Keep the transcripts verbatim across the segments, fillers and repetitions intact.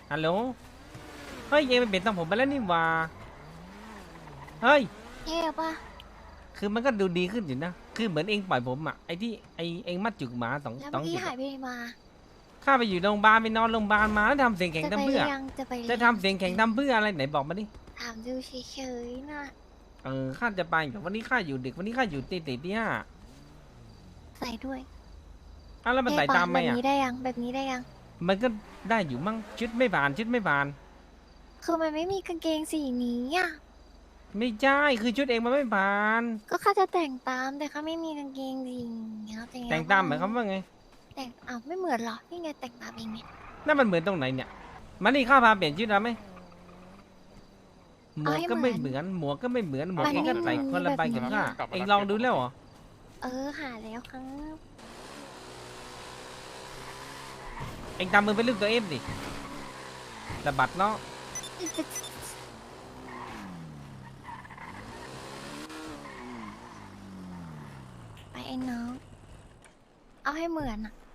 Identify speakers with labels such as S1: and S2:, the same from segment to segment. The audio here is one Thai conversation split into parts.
S1: ฮัลโหลเฮ้ยเองไปเปลี่ยนทรงผมไปแล้วนี่หว่าเฮ้ย
S2: เท่ปะ
S1: คือมันก็ดูดีขึ้นอยู่นะคือเหมือนเองปล่อยผมอะไอที่ไอเองมัดจุกหมาสอง
S2: แล้ว
S1: สอ
S2: เมื่อง กี้
S1: จุก
S2: หายไปไหนมา
S1: ข้าไปอยู่โรงพยาบาลไปนอนโรงพยาบาลมาแล้วทำเสียงแข็ง
S2: จะไป
S1: ทำ
S2: หรื
S1: เพื่อ
S2: อยังจะไปหรือ
S1: จะ
S2: ยัง
S1: ทำเสียงแข็งทำเพื่ออะไรไหนบอกมาดิ
S2: ถามดูเฉยๆนะ
S1: เออข้าจะไปแต่วันนี้ข้าอยู่ดึกวันนี้ข้าอยู่ตีตีที่ห้า
S2: ใส่ด้วย
S1: อ้าวแล้วมันใส่
S2: เท่ปะ
S1: ตามไหม
S2: แบบ
S1: อะ
S2: นี้ได้ยังแบบนี้ได้ยัง
S1: มันก็ได้อยู่มั่งชุดไม่ผ่านชุดไม่ผ่าน
S2: คือมันไม่มีกางเกงสีนี้อ่ะ
S1: ไม่ใช่คือชุดเองมันไม่ผ่าน
S2: ก็ข้าจะแต่งตามแต่ข้าไม่มีกางเกงสีนี้แต่ง
S1: แต่งตามหมายความว่าไง
S2: แต่งอ้าวไม่เหมือนเหรอนี่ไงแต่งตามเองไง
S1: นั่นมันเหมือนตรงไหนเนี่ยมานี่ข้าพาเปลี่ยนชุดแล้วไหมหมวกก็ไม่เหมือนหมวกก็ไม่เหมือนหมวกเองก็ใส่คนละใบกับข้าเองลองดูแล้วเหรอ
S2: เออหาแล้วครับ
S1: เองทำมือเป็นลูกตัวเอฟดิสะบัดเนาะ
S2: ไปไอ้น้องเอาให้เหมือนอ่ะ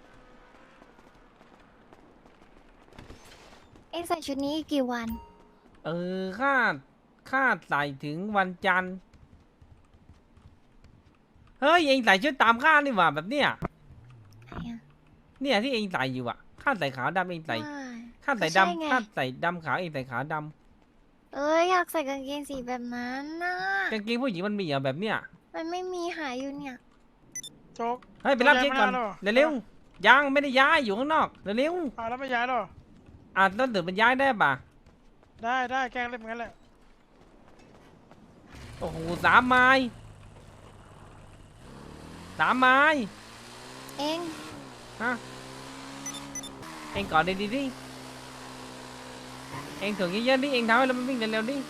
S2: เอ็งใส่ชุดนี้อีกกี่วัน
S1: เออข้าข้าใส่ถึงวันจันทร์เฮ้ยเองใส่ชุดตามข้านี่หว่าแบบเนี้ย
S2: ไหนอะ
S1: เนี่ยที่เองใส่อยู่อ่ะข้าใส่ขาวดำเองใส่
S2: ไม่
S1: ข้าใส่
S2: ก็ใช่ไง
S1: ดำข้าใส่ดำขาวเองใส่ขาวด
S2: เอ้ยอยากใส่กางเกงสีแบบนั้นน่ะ
S1: ำกางเกงผู้หญิงมันมีเหรอแบบเนี้ย
S2: มันไม่มีหายอยู่เนี่ย
S3: โจ๊ก
S1: เฮ้ยไปรับเช็คก่อน
S3: ย้ายไม่ได้หรอ
S1: เร็วๆยังไม่ได้ย้ายอยู่ข้างนอกเร็ว
S3: อ่าแล้วไม่ย้ายหรอ
S1: ๆอ่ะต้นตื่นมันย้ายได้ป่ะ
S3: ได้ได้แกล้งเล่นงั้นแหละ
S1: โอ้โหสามไม้สามไม้
S2: เอ็ง
S1: ฮะเองก่อนดีดีดิเองถึงเยอะๆดิเองทำให้เรามันวิ่งเร็วๆดิ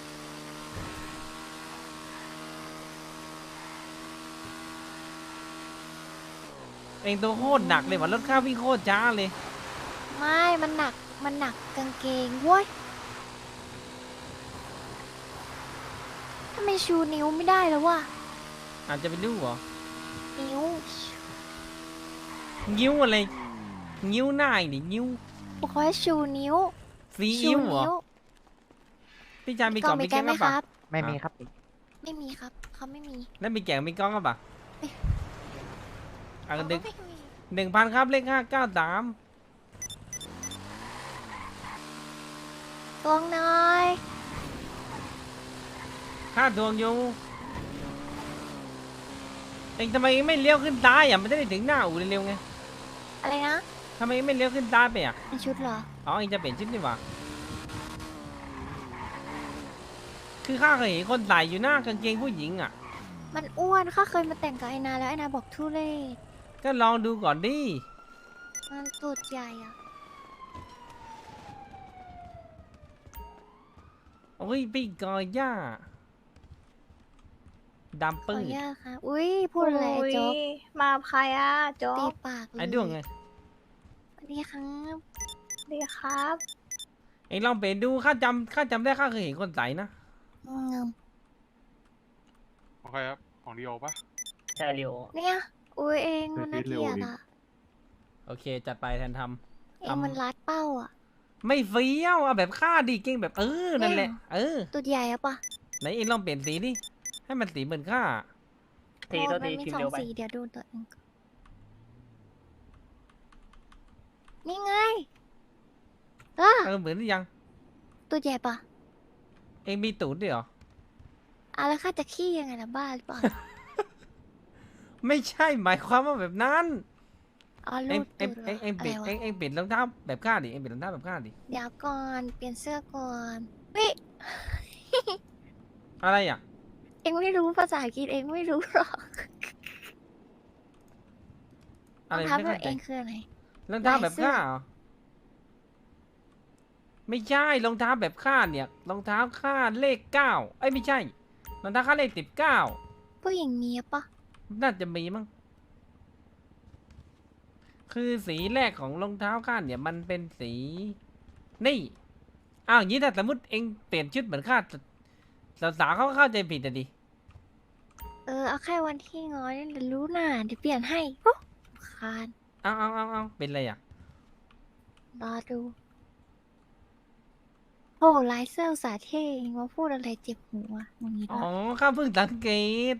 S1: เองตัวโคตรหนักเลยว่ะรถข้าวิ่งโคตรช้าเลย
S2: ไม่มันหนักมันหนักกางเกงเว้ยทำไมชูนิ้วไม่ได้แล้ววะ
S1: อาจจะไปดูเหรอ
S2: นิ้ว
S1: งิ้วอะไรงิ้วหน้าอีกดิงิ้ว
S2: บอกว่าชูนิ้ว
S1: ซี
S2: ชู
S1: อิ๊วเหรอ
S2: นิ้ว
S1: พี่ชายมี
S2: มี
S1: ก
S2: ก
S1: ล่
S2: ล่
S1: อ
S2: อง ง
S1: มี
S2: มี
S1: แก้
S2: แก้
S1: ง
S2: ไหม
S1: ก็
S2: ค
S1: ปะ
S2: รับ
S4: ไม่มีครับ
S2: ไม่มีครับเขาไม่มี
S1: แล้วมีแกงมีกล้องก็ปะอ่ะ
S2: เขา
S1: หนึ่ง
S2: ไม่มี
S1: หนึ่งพันครับเลขห้าเก้าสาม
S2: ตวงหน้อย
S1: ค่าดวงอยู่เองทำไมไม่เลี้ยวขึ้นซ้ายอ่ะมันจะได้ถึงหน้าอู่เร็วๆไง
S2: อะไรนะ
S1: ทำไมไม่เลี้ยวขึ้นซ้ายไปอ่ะ
S2: เป็นชุดเหรอ
S1: อ๋อเองจะเปลี่ยนชุดนี่หว่าคือข้าเคยเห็นคนใส่อยู่หน้ากางเกงผู้หญิงอ่ะ
S2: มันอ้วนข้าเคยมาแต่งกับไอนาแล้วไอนาบอกทุเรศ
S1: ก็ลองดูก่อนดิ
S2: มันตูดใหญ่อะ
S1: โอ้ยพี่กอย่าดำ
S2: ขอ
S1: ปื้
S2: อ
S1: ด
S2: นุญาตค่ะอุ้ยพูดอะไรไอ้โจ๊ก
S5: อุ๊ยมาใครอ่ะโจ๊
S2: ตี
S5: ก
S2: ปากเลย
S1: ไอ้ด้วงไง
S2: สวัสดีครับ
S5: ดีครับ
S1: เองลองเปลี่ยนดูข้าจำข้าจำได้ข้าเคยเห็นคนใส่นะ
S2: เงิม
S6: ของใครครับ ของดีโอปะ
S4: ใช่เร็ว
S2: เนี่ยอุ้ยเองมันน่า
S6: เร็
S2: เก
S6: ว
S2: ลียด
S6: ดิ
S2: อะ
S1: โอเคจัดไปแทนท
S2: เองมันรัดเป้าอะ
S1: ำไม่เฟี้ยวเอาแบบข้าดิเก่งแบบเออนั่นแหละ
S2: เนี่ย
S1: เออ
S2: ตูดใหญ่อะปะ
S1: ไหนเองลองเปลี่ยนสีดิให้มันสีเหมือนข้า
S4: ที
S2: โอ้
S4: ตัว
S2: มั
S4: ที
S2: มี
S4: พิม
S2: สอ
S4: พ์
S2: ง
S4: เร็วไป
S2: สีเดี๋ยวดูตัวเองก่อนนี่ไงเออ
S1: เออเหมือนหรือยัง
S2: ตูดใหญ่ปะ
S1: เองมีตูดด้วยเหรอ
S2: อ่ะแล้วข้าจะขี้ยังไงล่ะบ้าหรือเปล่า
S1: ไม่ใช่หมายความว่าแบบนั้น
S2: อ๋อ
S1: เอ
S2: ลู
S1: ง
S2: ด
S1: เอ
S2: ตู
S1: ง
S2: ดเหร
S1: เอ
S2: อง
S1: เองเปลี่ยน
S2: อะไร
S1: เอ
S2: วะ
S1: งเองเปลี่ยนรองเท้าแบบข้าดิเองเปลี่ยนรองเท้าแบบข้าดิ
S2: เดี๋ยวก่อนเปลี่ยนเสื้อก่อนเฮ้ย
S1: อะไรอ่ะ
S2: เองไม่รู้ภาษาอังกฤษเองไม่รู้หรอกร
S1: อะ
S2: อ
S1: ไรง
S2: เท้า
S1: ไม่
S2: ขอ
S1: เข้าง ใจ
S2: เองคืออะไร
S1: รองเท้าแบบ
S2: ลายเสื้อ
S1: ข้าเหรอไม่ใช่รองเท้าแบบข้าเนี่ยรองเท้าข้าเลขเก้าเอ้ยไม่ใช่รองเท้าข้าเลขสิบเก้า
S2: ผู้หญิงมีปะ
S1: น่าจะมีมั้งคือสีแรกของรองเท้าข้าเนี่ยมันเป็นสีนี่อ้าวอย่างนี้ถ้าสมมติเองเปลี่ยนชุดเหมือนข้าสาวๆเขาก็เข้าใจผิดอะดิ
S2: เออเอาแค่วันที่ง้อยนี่เดี๋ยวรู้น่ะเดี๋ยวเปลี่ยนให้โอ้คาน
S1: เอาเอาเอาเอาเป็นไรอ่ะ
S2: รอดูโอ้ลายเสื้ออุตสาห์เท่เองมาพูดอะไรเจ็บหูอ่ะมึงนี้
S1: อ๋อ
S2: นะ
S1: ข้าเพิ่งสังเกต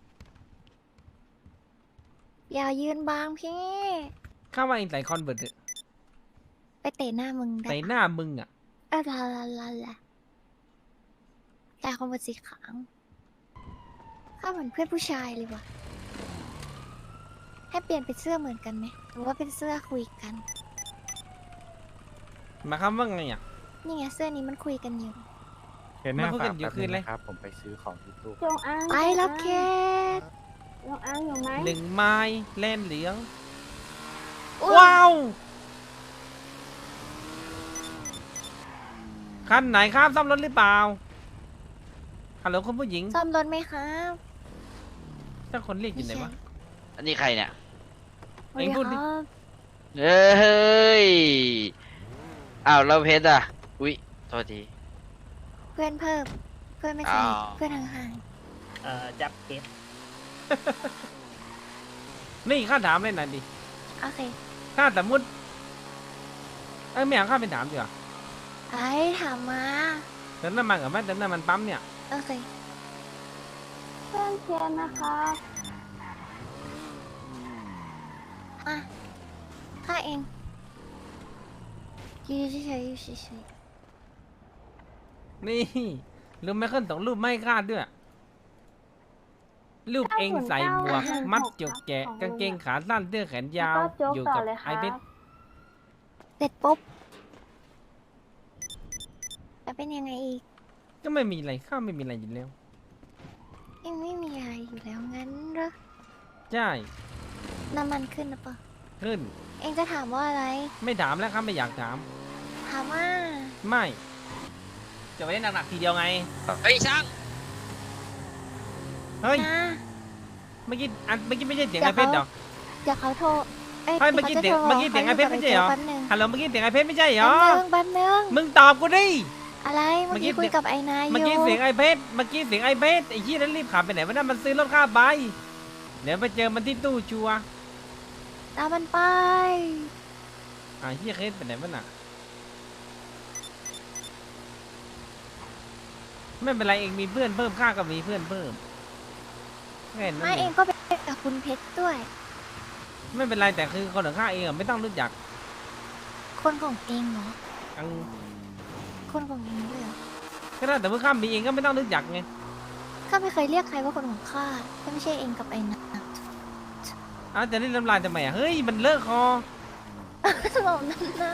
S2: อย่ายืนบางพี่
S1: ข้าว่าเองใส่คอนเวิร์ตเถอะ
S2: ไปเตะหน้ามึงได้
S1: ใส่หน้ามึงอ่ะ
S2: เออลาลาลาลาแต่คนบนสีขาวข้าเหมือนเพื่อนผู้ชายเลยว่ะ ให้เปลี่ยนเป็นเสื้อเหมือนกันไหมหรือว่าเป็นเสื้อคุยกัน
S1: หมายความว่าไงอ่ะ
S2: นี่ไงเสื้อนี้มันคุยกันอยู่
S7: เห็นหน้า
S1: มาพูด
S7: ฝา
S1: กั
S7: ก
S1: นอยู่
S7: แป๊บ
S1: คื
S7: นึ
S1: น
S7: ง
S1: เลย
S7: นะครับ ผมไปซื้อของที่ตู้
S5: จงอ้าง
S2: ไปรับเคส
S5: จงอ้างอยู่ไหม
S1: หนึ่งไม้เล่นเหลือง
S2: อุ๊ย
S1: ว้าว คันไหนครับซ่อมรถหรือเปล่า ฮัลโหลคุณผู้หญิง
S2: ซ่อมรถไหมครับ
S1: ถ้าคนเรียกอยู่ไหนวะ
S8: อันนี้ใครเนี่ย
S1: เอ็งพูดดิ
S2: ครับ
S8: เฮ้ย อ้าวเราเพชรอ่ะ อุ๊ย โทษที
S2: เพื่อนเพิ่ม เพื่อนไม่ใช่
S8: อ้าว
S2: เพื่อนห่าง
S4: เอ่อจับเพชร
S1: นี่ข้าถามเลยหน่อยดิ
S2: ๆโอเค
S1: ถ้าสมมติเอ้ยไม่อยากข้าไปถามดีกว่า
S2: ไอ้ถามมา
S1: เติมน้ำมันกับแม่เติมน้ำมันปั๊มเนี่ย
S2: โอเค
S5: เพื่อนเชียร์นะครับ
S2: อ่ะข้าเองอยู่เฉยๆอยู่เฉย
S1: นี่รูปไม่ขึ้นสองรูปไม่คาดด้วย รูปเองใส่หมวก มัดจุกแกะกางเกงขาสั้นเสื้อแขนยาว
S5: แล้วก็โจ๊ก
S1: อยู่
S5: ต่อ
S1: กับ
S5: เลยค
S1: ไอ
S5: รับ
S1: เพชร
S2: ๆเสร็จปุ๊บแล้วเป็นยังไงอีก
S1: ก็ไม่มีอะไรข้าไม่มีอะไรอยู่แล้ว
S2: เองไม่มีอะไรอยู่แล้วงั้นเหรอ
S1: ใช่
S2: น้ำมันขึ้นหรือเปล่า
S1: ขึ้น
S2: เองจะถามว่าอะไร
S1: ไม่ถามแล้วครับไม่อยากถาม
S2: ถามว่า
S1: ไม่ จะไปเล่นหนักๆทีเดียวไง
S8: เฮ้ยช่าง
S1: เฮ้ย
S2: นะ
S1: เมื่อกี้อันเมื่อกี้ไม่ใช่เสียง
S2: เดี๋
S1: ไอ
S2: ยว
S1: เพชร
S2: เขา
S1: เหรอ
S2: เดี๋ยวเขาโทร เอ้ย
S1: เฮ้ยเมื่อกี้
S2: ขาจะ
S1: เสียง
S2: โทร
S1: เมื่อกี้เสียงไอ้เพชรไม่ใช่เหรอ
S2: แป๊บนึง
S1: ฮัลโหลเมื่อกี้เสียงไอเพชรไม่ใช่เหร
S2: แป๊
S1: อ
S2: บนึงแป๊บนึง
S1: มึงตอบกูดิ
S2: อะไร เมื่อกี้
S1: เมื่อกี้
S2: คุยกับไอ้นายอ
S1: เมื่อกี้
S2: ยู่
S1: เสียงไอเพชรเมื่อกี้เสียงไอเพชรไอ้ชี้ยนั้นรีบขับไปไหนวะนั่นมันซื้อรถค่าใบเดี๋ยวไปเจอมันที่ตู้ชัวร์
S2: ตามมันไป
S1: อ่าเฮียเคสไปไหนวะน่ะไม่เป็นไรเองมีเพื่อนเพิ่มค่าก็มีเพื่อนเพิ่มแค่นั้น
S2: ไม่
S1: เอ
S2: เอง
S1: ง
S2: ก็ไปกับคุณเพชรด้วย
S1: ไม่เป็นไรแต่คือคนของข้าเองอะไม่ต้องรู้จัก
S2: คนของเองเหรอ
S1: อัง
S2: คนของเองด้วยเหรอ
S1: ก็ได้แต่เมื่อข้ามมีเองก็ไม่ต้องรู้จักไง
S2: ข้าไม่เคยเรียกใครว่าคนของข้าถ้าไม่ใช่เองกับไอ้นาย
S1: อ้าวจะเล่นน้ำลายทำไมอ่ะเฮ้ยมันเลอะคอ
S2: สมองนั่นน่ะ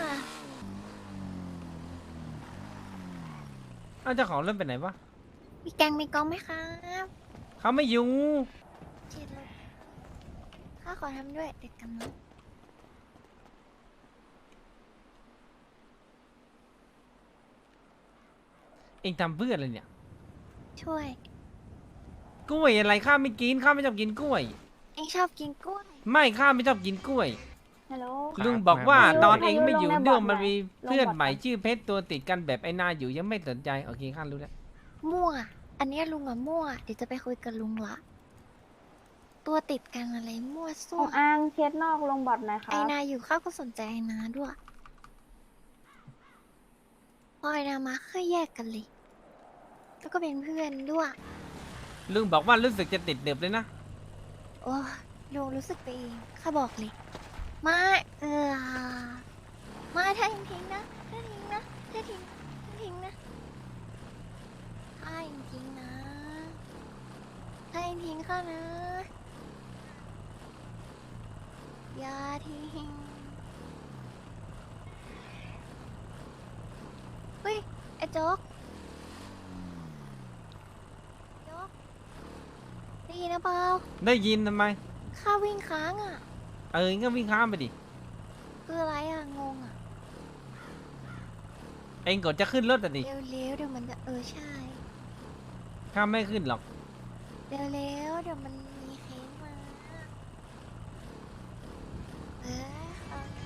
S1: อ้าวเจ้าของเล่นไปไหนวะ
S2: มีแกงมีกองไหมครับ
S1: เขาไม่อยู่
S2: เช็ดรถข้าขอทำด้วยเด็กกำลัง
S1: เองทำเพื่ออะไรเนี่ย
S2: ช่วย
S1: กล้วยอะไรข้าไม่กินข้าไม่ชอบกินกล้วย
S2: เองชอบกินกล้วย
S1: ไม่ข้าไม่ชอบกินกล้วย
S5: ฮัลโหล
S7: ครับ
S1: ลุงบอกว่า
S5: ไม่รู้
S1: ตอนเองไม่อยู่
S5: ไม่รู้
S1: เรื่อง
S5: ลง
S1: มัน
S5: บอร์ด
S1: มี
S5: ไหน
S1: เพื่อน
S5: ลงบอร์ด
S1: ใหม่ชื่อเพชรตัวติดกันแบบไอ้นาอยู่ยังไม่สนใจโอเคข้ารู้แล้ว
S2: มั่ว อันเนี้ยลุงอะมั่ว เดี๋ยวจะไปคุยกับลุงละ ตัวติดกันอะไรมั่ว
S5: จ
S2: ซั่ว
S5: งอ้างเคสนอกลงบอร์ดหน่อยครั
S2: ไอบ นาอยู่ข้าก็สนใจไอนาด้วยพอไอนามาค่อยแยกกันเลย แล้วก็เป็นเพื่อนด้วย
S1: ลุงบอกว่ารู้สึกจะติดเดือบเลยนะ
S2: โอ้ยลุงรู้สึกไปเองข้าบอกเลยมาเออมาถ้าทิ้งทิ้งนะถ้าทิ้งนะถ้าทิ้งถ้าทิ้งนะถ้าจริงๆนะถ้าทิ้งข้านะอย่าทิ้งเฮ้ยไอ้โจ๊กโจ๊กได้ยินหรือเปล่า
S1: ได้ยินทำไม
S2: ข้าวิ่งค้างอ่ะ
S1: เออก็วิ่งข้ามไปดิ
S2: คืออะไรอ่ะ งงอ่ะ
S1: เองกดจะขึ้นรถอ่ะดิ
S2: เร็วๆเดี๋ยวมันจะเออใช่
S1: ข้ามไม่ขึ้นหรอก
S2: เร็วๆเดี๋ยวมันมีเคสมา เออเอานะ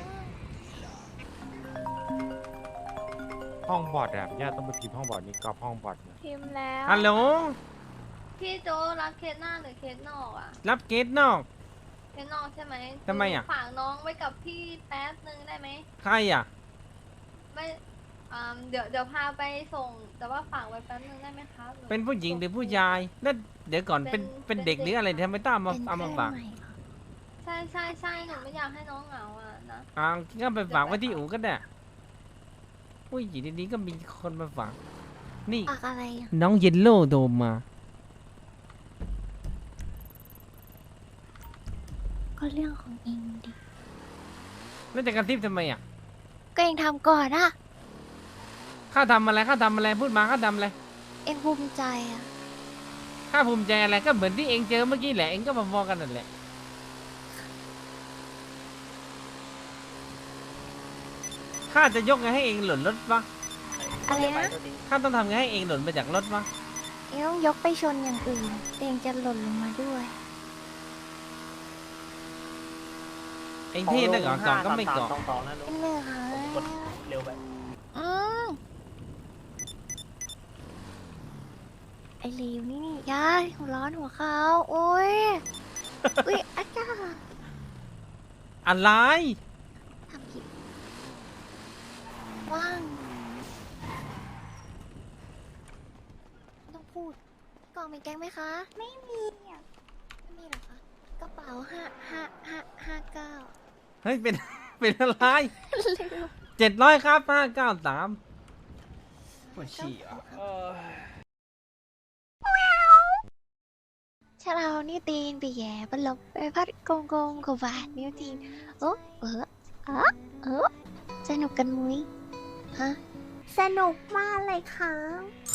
S7: ห้องบอร์ดแบบญาติต้องไปพิมพ์ห้องบอร์ดนี่ก็ห้องบอร์ดนะ
S5: พิมพ์แล้ว
S1: ฮัลโหล
S9: พี่โจรับเคสหน้าหรือเคสนอกอะ
S1: รับเกตนอก
S9: เคสนอกใช่ไหม
S1: ทำไมอะ
S9: ฝากน้องไว้กับพี่แป๊บนึงได้ไหม
S1: ใครอ่ะ
S9: ไม่อ่าเดี๋ยวเดี๋ยวพาไปส่ง แต่ว่าฝากไว้แป๊บนึงได้ไหมครับห
S1: เป็นผู้หญิงหรือผู้ชายแล้วเดี๋ยวก่อนเป็น
S9: เป็น
S1: เป็นเด็ก
S9: เป็น
S1: หรืออะไรทำไมต้องเอามา
S2: เป็น
S1: เอามา
S2: เพื่อน
S1: ฝาก
S2: ใหม่เหรอ
S9: ใช่ใช่ใช่หนูไม่อยากให้น้องเหงาอ่ะนะ
S1: อ่าก็ไปฝากไว้ที่อู่ก็ได้ผู้หญิงดีๆก็มีคนมาฝากนี่
S2: ฝากอะไรอ่ะ
S1: น้องเยลโล่โดมมา
S2: ก็เรื่องของเองดิ
S1: แล้วจะกระซิบทำไมอ่ะ
S2: ก็เองทำก่อนอะ
S1: ข้าทำอะไรข้าทำอะไรพูดมาข้าทำอะไร
S2: เองภูมิใจอะ
S1: ข้าภูมิใจอะไรก็เหมือนที่เองเจอเมื่อกี้แหละเองก็มาพอกันนั่นแหละข้าจะยกไงให้เองหล่นรถวะ
S2: อะไร
S4: ไป
S2: นะ
S4: ตัวจริง
S1: ข้าต้องทำไงให้เองหล่นมาจากรถวะ
S2: เองต้องยกไปชนอย่างอื่นเองจะหล่นลงมาด้วย
S1: เองเท่นะก่อนก่อนก็ไม่เกาะ
S4: สองสองนะลู
S2: เป็
S4: ก
S2: นเรื่องค่ะ
S4: กดเร็วไป
S2: อืมไอเลวนี่นี่ยาหัวร้อนหัวเขาโอ้ย อุ้ยอาจารย์
S1: อะไร
S2: ทำผิดว่างไม่ต้องพูดกล่องมีแกงไหมคะ ไม่มีอ่ะไม่มีเหรอคะกระเป๋าห้าห้าห้าห้าเก้า
S1: เฮ้ยเป็น เป็นอะไร
S2: ลืม
S1: เจ็ดร้อยครับห้าเก้าสามปวดฉี่อ่ะ
S2: ชาเรานี่ตีนไปแย่บนลบไปพัดโกงโกงกบาดนิ้วตีนโอ้เออเออเออสนุกกันมุ้ยฮะสนุกมากเลยค่ะ